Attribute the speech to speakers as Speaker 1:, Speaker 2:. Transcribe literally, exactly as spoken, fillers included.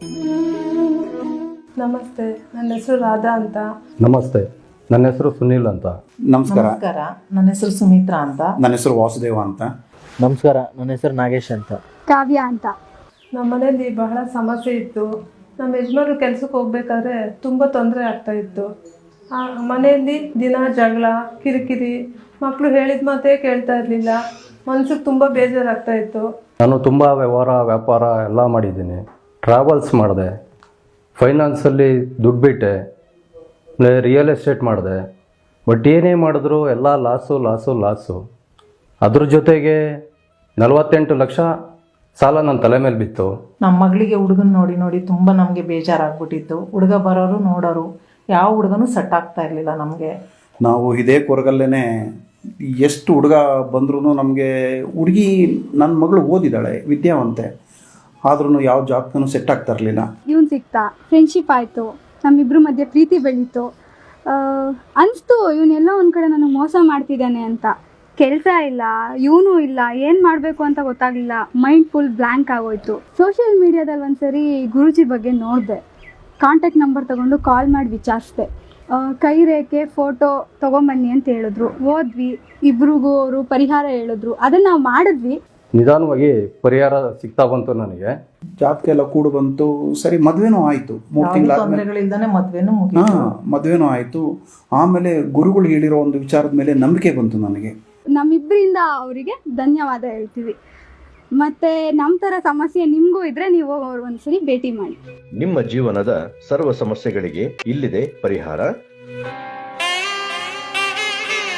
Speaker 1: ನಮಸ್ತೆ, ನನ್ನ ಹೆಸರು ರಾಧಾ ಅಂತ.
Speaker 2: ನಮಸ್ತೆ, ನನ್ನ ಹೆಸರು ಸುನೀಲ್ ಅಂತ.
Speaker 3: ನಮಸ್ಕಾರ.
Speaker 4: ನಮಸ್ಕಾರ, ನನ್ನ ಹೆಸರು ಸುಮಿತ್ರಾ ಅಂತ.
Speaker 3: ನನ್ನ ಹೆಸರು ವಾಸುದೇವ ಅಂತ.
Speaker 5: ನಮಸ್ಕಾರ, ನನ್ನ ಹೆಸರು ನಾಗೇಶ್ ಅಂತ.
Speaker 6: ಕಾವ್ಯ ಅಂತ.
Speaker 1: ನಮ್ಮ ಮನೆಯಲ್ಲಿ ಬಹಳ ಸಮಸ್ಯೆ ಇತ್ತು. ನಮ್ಮ ಯಜಮಾನರು ಕೆಲಸಕ್ಕೆ ಹೋಗ್ಬೇಕಾದ್ರೆ ತುಂಬ ತೊಂದರೆ ಆಗ್ತಾ ಇತ್ತು. ಆ ಮನೆಯಲ್ಲಿ ದಿನ ಜಗಳ, ಕಿರಿಕಿರಿ, ಮಕ್ಕಳು ಹೇಳಿದ ಮಾತೇ ಕೇಳ್ತಾ ಇರಲಿಲ್ಲ. ಮನ್ಸಿಗೆ ತುಂಬ ಬೇಜಾರಾಗ್ತಾ ಇತ್ತು.
Speaker 2: ನಾನು ತುಂಬ ವ್ಯವಹಾರ ವ್ಯಾಪಾರ ಎಲ್ಲ ಮಾಡಿದ್ದೀನಿ. ಟ್ರಾವೆಲ್ಸ್ ಮಾಡಿದೆ, ಫೈನಾನ್ಸಲ್ಲಿ ದುಡ್ಡು ಬಿಟ್ಟೆ, ರಿಯಲ್ ಎಸ್ಟೇಟ್ ಮಾಡಿದೆ. ಬಟ್ ಏನೇ ಮಾಡಿದ್ರು ಎಲ್ಲ ಲಾಸು ಲಾಸು ಲಾಸು. ಅದ್ರ ಜೊತೆಗೆ ನಲವತ್ತೆಂಟು ಲಕ್ಷ ಸಾಲ ನನ್ನ ತಲೆ ಮೇಲೆ ಬಿತ್ತು.
Speaker 4: ನಮ್ಮ ಮಗಳಿಗೆ ಹುಡುಗನ ನೋಡಿ ನೋಡಿ ತುಂಬ ನಮಗೆ ಬೇಜಾರಾಗ್ಬಿಟ್ಟಿತ್ತು. ಹುಡುಗ ಬರೋರು ನೋಡೋರು, ಯಾವ ಹುಡುಗನೂ ಸೆಟ್ ಆಗ್ತಾ ಇರಲಿಲ್ಲ ನಮಗೆ.
Speaker 3: ನಾವು ಇದೇ ಕೊರಗಲ್ಲೇ ಎಷ್ಟು ಹುಡುಗ ಬಂದ್ರೂ ನಮಗೆ ಹುಡುಗಿ, ನನ್ನ ಮಗಳು ಓದಿದ್ದಾಳೆ, ವಿದ್ಯಾವಂತೆ, ಆದ್ರೂ ಯಾವ ಜಾಬ್ಗೂ ಸೆಟ್ ಆಗ್ತಾ ಇರಲಿಲ್ಲ.
Speaker 6: ಇವನು ಸಿಕ್ತಾ, ಫ್ರೆಂಡ್ಶಿಪ್ ಆಯಿತು, ನಮ್ಮಿಬ್ಬರ ಮಧ್ಯೆ ಪ್ರೀತಿ ಬೆಳೀತು. ಅನಿಸ್ತು ಇವನ್ನೆಲ್ಲ ಒಂದು ಕಡೆ ನನಗೆ ಮೋಸ ಮಾಡ್ತಿದ್ದಾನೆ ಅಂತ. ಕೆಲಸ ಇಲ್ಲ, ಇವನು ಇಲ್ಲ, ಏನು ಮಾಡಬೇಕು ಅಂತ ಗೊತ್ತಾಗಲಿಲ್ಲ. ಮೈಂಡ್ ಫುಲ್ ಬ್ಲ್ಯಾಂಕ್ ಆಗೋಯ್ತು. ಸೋಷಿಯಲ್ ಮೀಡಿಯಾದಲ್ಲಿ ಒಂದು ಸರಿ ಗುರೂಜಿ ಬಗ್ಗೆ ನೋಡಿದೆ. ಕಾಂಟ್ಯಾಕ್ಟ್ ನಂಬರ್ ತೊಗೊಂಡು ಕಾಲ್ ಮಾಡಿ ವಿಚಾರಿಸಿದೆ. ಕೈ ರೇಖೆ ಫೋಟೋ ತೊಗೊಂಬನ್ನಿ ಅಂತ ಹೇಳಿದ್ರು. ಹೋದ್ವಿ, ಇಬ್ರಿಗೂ ಅವರು ಪರಿಹಾರ ಹೇಳಿದ್ರು. ಅದನ್ನು ನಾವು ಮಾಡಿದ್ವಿ.
Speaker 2: ನಿಧಾನವಾಗಿ ಪರಿಹಾರ ಸಿಗ್ತಾ ಬಂತು ನನಗೆ.
Speaker 3: ಜಾತಕ ಎಲ್ಲ ಕೂಡು ಬಂತು. ಸರಿ, ಮದುವೆನೂ ಆಯಿತು. ಮೂರು ತಿಂಗಳಾದ್ಮೇಲೆ
Speaker 4: ತೊಂದರೆಗಳಿಲ್ದಾನೆ ಮದುವೆನೂ
Speaker 3: ಹಾಂ
Speaker 4: ಮುಗಿತು.
Speaker 3: ಮದುವೆನೂ ಆಯಿತು. ಆಮೇಲೆ ಗುರುಗಳು ಹೇಳಿರೋ ಒಂದು ವಿಚಾರದ ಮೇಲೆ ನಂಬಿಕೆ ಬಂತು ನನಗೆ.
Speaker 6: ನಮ್ಮಿಬ್ಬರಿಂದ ಅವರಿಗೆ ಧನ್ಯವಾದ ಹೇಳ್ತೀವಿ. ಮತ್ತು ನಮ್ಮ ಥರ ಸಮಸ್ಯೆ ನಿಮಗೂ ಇದ್ದರೆ ನೀವು ಅವ್ರು ಒಂದ್ಸರಿ ಭೇಟಿ ಮಾಡಿ.
Speaker 7: ನಿಮ್ಮ ಜೀವನದ ಸರ್ವ ಸಮಸ್ಯೆಗಳಿಗೆ ಇಲ್ಲಿದೆ ಪರಿಹಾರ.